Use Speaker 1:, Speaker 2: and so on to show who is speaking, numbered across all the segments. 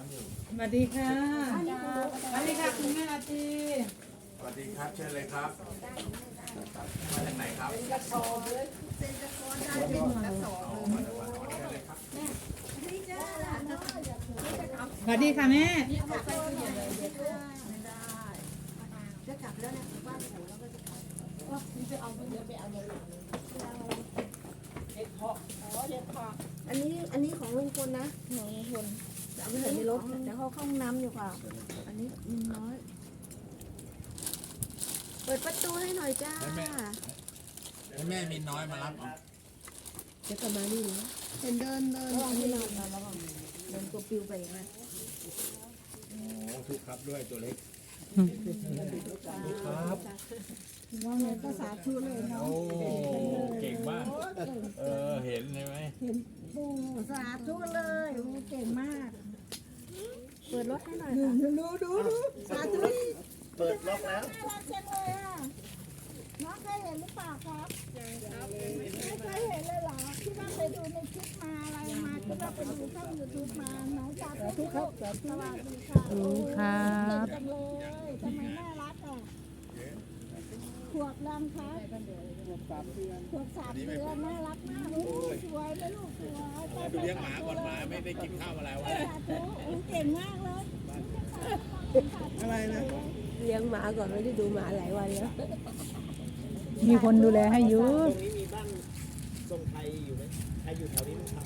Speaker 1: สวัสดีค่ะสวัสดีค่ะคุณแม่อาตี
Speaker 2: สวัสดีครับเชิญเลยครับมาจากไหนครับ
Speaker 1: สวัสดีค่ะแม่
Speaker 3: จะกลับแล้วนะบ้านหูแล้วก็จะกลับว่าจะเอาเดี๋ยวไปเอาอย่างอื่นเห็ดเพาะเห็ดเพาะอันนี้ของลุงพลนะของลุงพลจะเอาไปใส่ในรถแต่เขาเข้าห้องน้ำอยู่ค่ะอันนี้มีน้อยเปิดประตูให้หน่อยจ้า
Speaker 2: ให้แม่มีน้อยมารับ
Speaker 3: เดี๋ยวกลับมานี่นะเห็นเดินอันนี้เราแล้วก็เดินตัวปิวไปอย่างนั้น
Speaker 2: โอ้ถูกครับด้วยตัวเล็ก
Speaker 4: ครับ
Speaker 3: น้องเลยก็สาธุเลยเนาะ
Speaker 2: โอ้เก่งมากเห็นใช่ไหม
Speaker 3: เห็นปูสาธุเลยโอ้เก่งมาก เปิดรถให้หน่อยค่ะดูสาธุ
Speaker 4: เปิดล็อกแล้ว
Speaker 3: น่ารักจังเลยอ่ะน้องเคยเห็นหรือเปล่าครับไม่เคยเห็นเลยเหรอที่ว่าไปดูในคลิปมาอะไรมาที่ว่าไปดูช่องยูทูบมาน้องสาธุครับสวัสดีค่ะโอ้ครับจังเลยทำไมน่ารักอ่ะขวบดำครับขวบ3 เดือนน่ารักมากโอ้สวยเลยลูกสวย
Speaker 2: ดูเลี้ยงหมาก่อนหมาไม่ได้กินข้าวอะไรวะ
Speaker 3: สาธุโอ้เก่งมากเลย
Speaker 4: อะไรนะ
Speaker 3: เลี้ยงหมาก่อนไม่ได้ดูหมาหลายวันแล้ว
Speaker 1: มีคนดูแลให้อยู่
Speaker 4: ตรงนี้มีบ้านทรงไทยอยู่ไหมใครอยู่แถวนี้ไหมครับ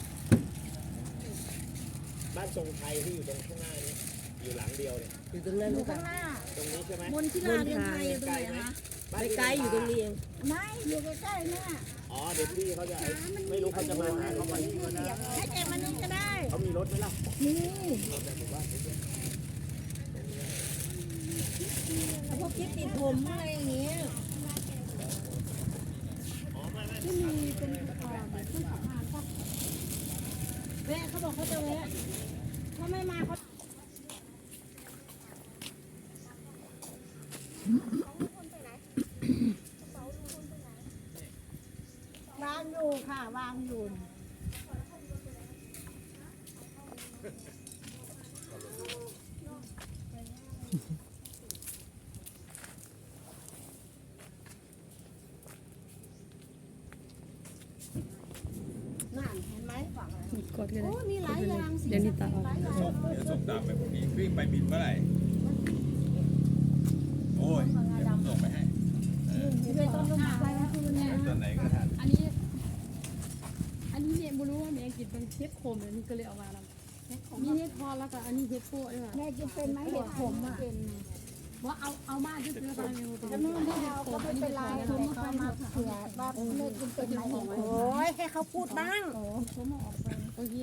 Speaker 4: บ้านทรงไทยที่อยู่ตรงข้างหน้านี้อยู่หลังเดียวเนี่ย
Speaker 3: อยู่ตรงนั้นข้างหน้า
Speaker 4: ตรงนี้ใช่ไหม
Speaker 3: บนที่ลานยังไงอยู่ตรงไหนคะ
Speaker 4: บ้าน
Speaker 3: ไกลๆอยู่ตรงนี้เองไม่อยู่ใกล้ๆเนี่ย
Speaker 4: อ๋อเดี๋ยวพี่เขาจะไม่รู้เขาจะมาหาเขามาที่ก็ได้
Speaker 3: ให้แกมานี่ก็ได้
Speaker 4: เขามีรถไหมล่ะ
Speaker 3: นี่พวกคิดติดผมอะไรอย่างเงี้ยที่มีเป็นแบบที่ขับผ่านปะแม่เขาบอกเขาจะแวะถ้าไม่มาเขาวางอยู่ค่ะวางอยู่นั่นเห็นไหมฝั่งอะไร
Speaker 1: กดเลย
Speaker 3: โอ้มีหลายอย่างสิ
Speaker 1: เดี๋ยวนี้ตาออก
Speaker 3: หลายอย่าง
Speaker 2: ส่งเดี๋ยวส่งตามไปพรุ่งนี้วิ่งไปบินเมื่อไหร่โอ้ยเดี๋ยวผมส่งไปให้
Speaker 3: เลยต้นลมไปเมื่อคืนเนี่ย
Speaker 2: ตอนไหนก็ทัน
Speaker 5: อันนี้เนี่ยไม่รู้ว่าแม่กินเป็นเฮ็ดโคมเลยนี่ก็เลยเอามาแล้วมีเฮ็ดพอแล้วก็อันนี้เฮ็ดโป้ด้วยค่ะ
Speaker 3: แม่กินเป็นไหมเห็ดผมอ่ะ
Speaker 5: ว่าเอามาจะซื้อไปเมนูตัว
Speaker 3: ก็
Speaker 5: นี้
Speaker 3: นู่นที่เราก็ไม่เป็นไรเขาเขามาเผื่อว่าแม่กินเป็นไหมโอ้ยให้เขาพูดบ้าง
Speaker 5: โอเค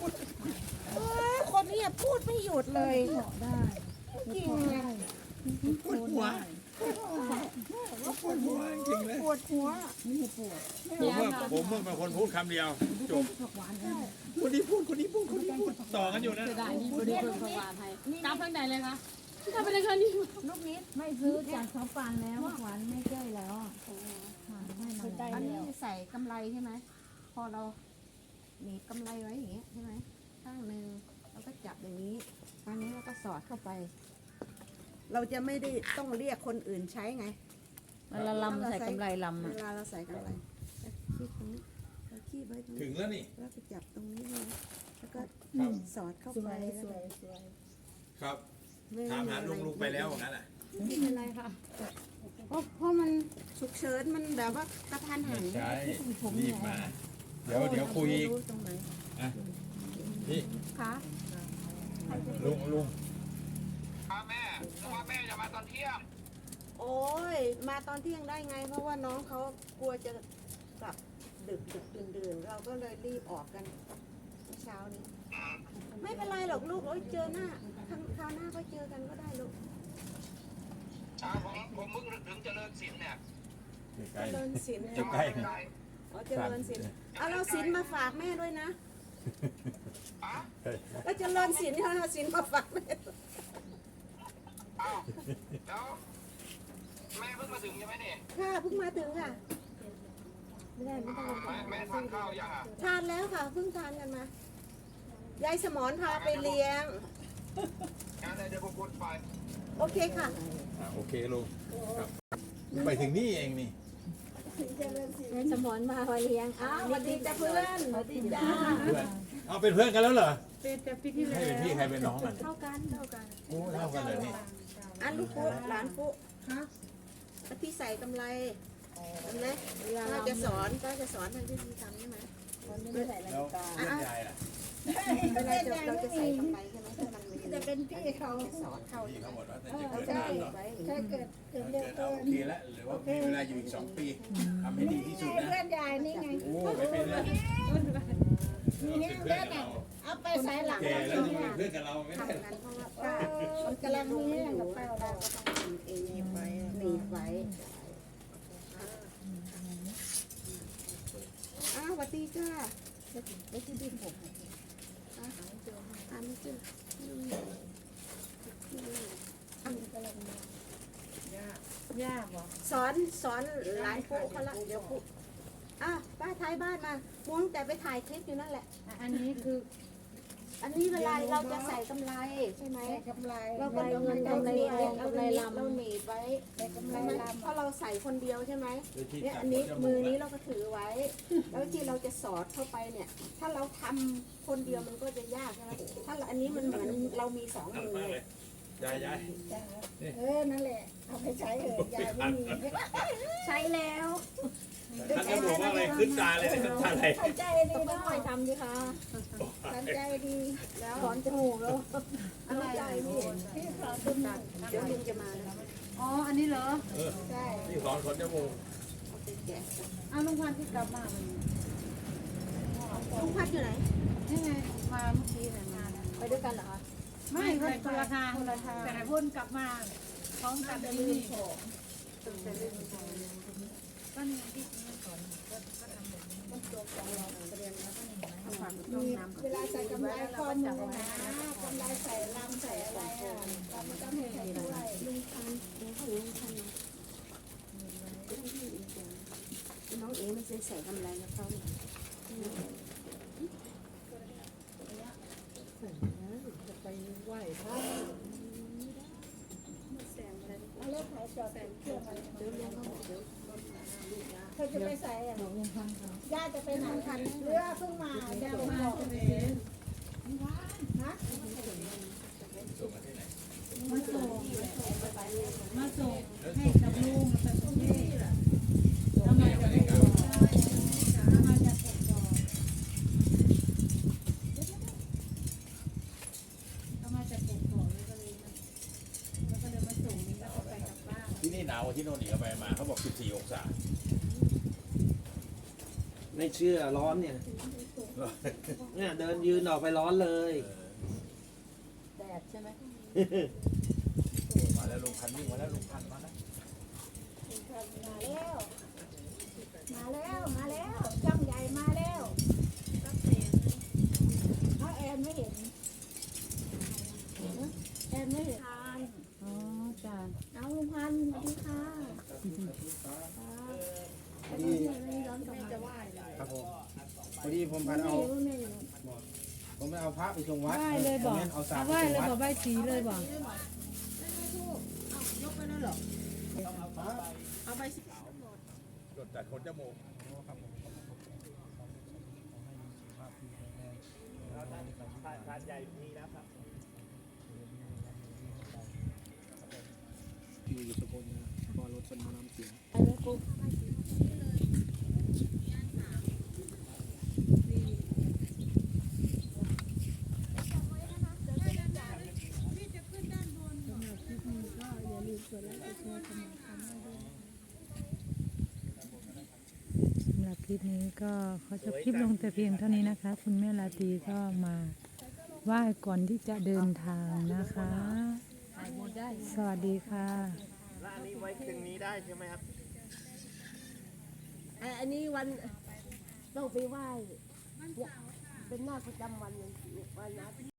Speaker 3: คนนี้พูดไม่หยุดเลยจริงไง
Speaker 2: ปวดหัวปวดหัวจริงเลย
Speaker 3: ปวดหัว
Speaker 2: ผมเพิ่งเป็นคนพูดคำเดียวจบคนนี้พูดต่อกันอยู่นะ
Speaker 5: จะได้นี่บริเวณสว่านไทยกลับทางไหนเลยคะกลับไปเลยค่ะนี่
Speaker 3: ลูกนิด
Speaker 6: ไม่ซื้อจากเขาปานแล้วหวานไม่ใกล้แล้วอ่ะให้มัน
Speaker 3: อันนี้ใส่กำไรใช่ไหมพอเราหนีบกำไรไว้อย่างเงี้ยใช่ไหมข้างหนึ่งเราก็จับอย่างนี้ข้างนี้เราก็สอดเข้าไป เราจะไม่ได้ต้องเรียกคนอื่นใช้ไง
Speaker 6: เวลาลำใส่กำไรลำ
Speaker 3: เว
Speaker 6: อ่ะ
Speaker 3: ลาเราใส่กำไรคีบตรงนี้เราคีบไว้ตรง
Speaker 2: ถึ
Speaker 3: นี้
Speaker 2: งแล้วนี่
Speaker 3: แล้วก็จับตรงนี้เลยแล้วก็สอดเข้าไปแล้วก็
Speaker 2: ครับ
Speaker 3: ไม่
Speaker 2: ถามหาลุงไปแล้วงั้นอ่ะ
Speaker 5: ไม่เป็นไรค่ะเพราะมัน
Speaker 3: ฉุกเฉินมันแบบว่ากระทันหัน
Speaker 2: ใช่รีบมา เดี๋ยวคุยอีก
Speaker 3: รู้ตรงไหน
Speaker 2: นี่
Speaker 3: คะ
Speaker 2: ลุง
Speaker 3: โอ้ยมาตอนเที่ยงได้ไง เพราะว่าน้องเขากลัวจะกลับดึกดื่นเราก็เลยรีบออกกันเช้านี้ ไม่เป็นไรหรอกลูกโอ้ยเจอหน้าคราวหน้าก็เจอกันก็ได้ลูก
Speaker 7: ผมเพิ่งถึงเจริญศิลป์เนี่ย
Speaker 2: ใกล้
Speaker 3: เจริญศิลป์
Speaker 2: จะใกล้
Speaker 3: อ๋อเจริญศิลป์เอาเราศิลป์มาฝากแม่ด้วยนะแล้วเจริญศิลป์เอาศิลป์มาฝากแม่
Speaker 7: อ้าวแล้วแม่เพิ่งมาถึงใช่ไหมเนี่ย
Speaker 3: ค่ะเพิ่งมาถึงค่ะ
Speaker 7: แม่ทานข้าวยังอ่ะ
Speaker 3: ทานแล้วค่ะเพิ่งทานกันมา ยายสมรพาไปเลี้ยง
Speaker 7: งานอะไรเดี๋ยวผมพูดไป
Speaker 3: โอเคค่ะ
Speaker 2: โอเคลุงครับไปถึงนี่เองนี่
Speaker 6: สมอนมาวันเลี้ยง
Speaker 3: อ้าวสวัสดีจ้าเพื่อนสวัสดีจ้า
Speaker 2: เพื่อนเอาเป็นเพื่อนกันแล้วเหรอ
Speaker 1: เป็นแต่ปีที่
Speaker 2: ให้
Speaker 1: แล้ว
Speaker 2: เป็นพี่ใครเป็นน้องมัน
Speaker 3: เท่ากันเท่ากัน
Speaker 2: โอ้เท่ากันเลยนี่
Speaker 3: อันลูกปุ๊หลานปุ๊ฮะแล้วพี่ใส่กำไรเห็นไหมก็จะสอนทางที่ทำใช่ไหม
Speaker 2: แล้วเพื่อนยายล่ะ
Speaker 3: เวลาเราจะใส่กำไรใช่ไหมถ้ามันจะเป็นพี่เขาสอนเขา
Speaker 2: พี่เขาหมดว่าจะ
Speaker 3: เขา
Speaker 2: เกิด
Speaker 3: จะ
Speaker 2: นานเหรอ
Speaker 3: ไว้ถ้าเกิดเร็ว
Speaker 2: เกิดเอาโอเคแล้วหรือว่ามีเวลาอยู่อีก2 ปีทำให้ดีที่สุดนะ
Speaker 3: เพื่อนยายนี่ไง
Speaker 2: โอ้ไม่เป็นไร
Speaker 3: นี่เพื่อนอ่ะเอาไปใส่หลัง
Speaker 2: แก่
Speaker 3: เรา
Speaker 2: แล้ว
Speaker 3: เนี่
Speaker 2: จะ
Speaker 3: ย
Speaker 2: เป็นเพื่อนกับเราไม่ได้
Speaker 3: ทำกันเพราะว่าป้ามันกำลังมีกับแป้เราก็ต้องทำเองหนีบไว้อ้าวสวัสดีจ้าไม่ใช่ดินผมไม่เจอย
Speaker 1: ากเหรอ
Speaker 3: สอนหลานปุ๊เขาละเดี๋ยวปุ๊อ้าวป้าท้ายบ้านมามุ้งแต่ไปถ่ายคลิปอยู่นั่นแหละ
Speaker 1: อันนี้คือ
Speaker 3: อันนี้เวลาเราจะใส่กำไรใช่ไหมกำไรเราก็
Speaker 6: เงินกำไรทองกำไรลำ
Speaker 3: เราหนีบไว้กำไรลำเพราะเราใส่คนเดียวใช่ไหมเนี่ยอันนี้มือนี้เราก็ถือไว้ แล้วที่เราจะสอดเข้าไปเนี่ย ถ้าเราทำคนเดียวมันก็จะยากใช่ไหมถ้าอันนี้มันเหมือนเรามี2 มือ
Speaker 2: ยาย
Speaker 3: นั่นแหละเอาไปใช้เถอะยายไม่มีใช้แล้ว
Speaker 2: ท่านจะบอกว่าอะไรขึ้นตาเลยขึ้นตาอะไร
Speaker 3: ใจดีต้องคอยทำดิค่ะสันใจดีแล้วถอนจมูกแล้วอะไรพี่สอนจมูกเดี๋ยวลุงจะมาแล้ว
Speaker 1: อ๋ออันนี้เหรอ
Speaker 3: ใช่
Speaker 2: ที่สอนคนจมูก
Speaker 3: เอาไปแกะ
Speaker 1: เอาลุงพันธุ์ที่กลับมาวันนี้
Speaker 3: ลุงพัดอยู่ไหน
Speaker 1: นี่ไงมาเมื่อกี้เนี่ยมาแล้ว
Speaker 3: ไปด้วยกันเหรอคะ
Speaker 1: ไม่คนละทางแต่พ่นกลับมาพร้อมกันที่นี่ก็นี่ที่นี่ก่อนก็ทำแบบนี้
Speaker 3: เวลาใส่กำไรข้อมือนะกำไรใส่ลำใส่อะไรอ่ะเราไม่ต้องให้ใครด้วยลุงพันน้องเอ๋ไม่เคยใส่กำไรกับเขาเนี่ยจะไปไหว้พระเอาเลิกขายจอดใส่เครื่องอะไรเดี๋ยวเลี้ยงเขาเดี๋ยวเธอจะไปใส่อ่ะย่าจะไปไหนทันเรือเพิ่งมาย่ามาจะไปซื้อฮะ
Speaker 1: มาส่งให้กับลุงกับคุณพี่ทำไมจะไม่ก่อนทำไมจะส่งก่อนทำไมจะส่งก่อนแล้วก็เลยมาส่งนี่แล้วก็ไปกลับบ้าน
Speaker 2: ที่นี่หนาวกว่าที่โน่นอีกไปมาเขาบอก14 องศา
Speaker 4: ไม่เชื่อร้อนเนี่ยเนี่ยเดินยืนออกไปร้อนเลย
Speaker 3: แดดใช่ไหม
Speaker 2: มาแล้วลุงพันวิ่งมาแล้วลุงพันมาแล้ว
Speaker 3: มาแล้วช่างใหญ่มาแล้วเขาแอนไม่เห็นแอนไม่เห็น
Speaker 6: อ๋อจ้า
Speaker 3: เอาลุงพันธุ์สวัสดีค่ะ
Speaker 4: ครับผมพอดีผมพันเอาผมไม่เอาพระไปส่งวัด
Speaker 1: ไหว้เลยบอก
Speaker 4: เอาสา
Speaker 1: เอา
Speaker 4: ไป
Speaker 1: ไหว้
Speaker 4: ส่ง
Speaker 1: เลย
Speaker 4: วัด
Speaker 1: บอกไหว้สีเลยบอก
Speaker 2: รถจัดคนจมูก
Speaker 4: ทานใหญ่มีนะครับอยู่สกลนะพอรถชนมาน้ำเสีย
Speaker 8: สำหรับคลิปนี้ก็ขอจบคลิปลงแต่เพียงเท่านี้นะคะ คุณแม่ราตรีก็มาไหว้ก่อนที่จะเดินทางนะคะ สวัสดีค่ะ
Speaker 4: แล้วอันนี้ไว้คืนนี้ได้ใช่ไหมครับ
Speaker 3: อันนี้วันต้องไปไหว้เนี่ยเป็นหน้าประจำวันเลยวันนะ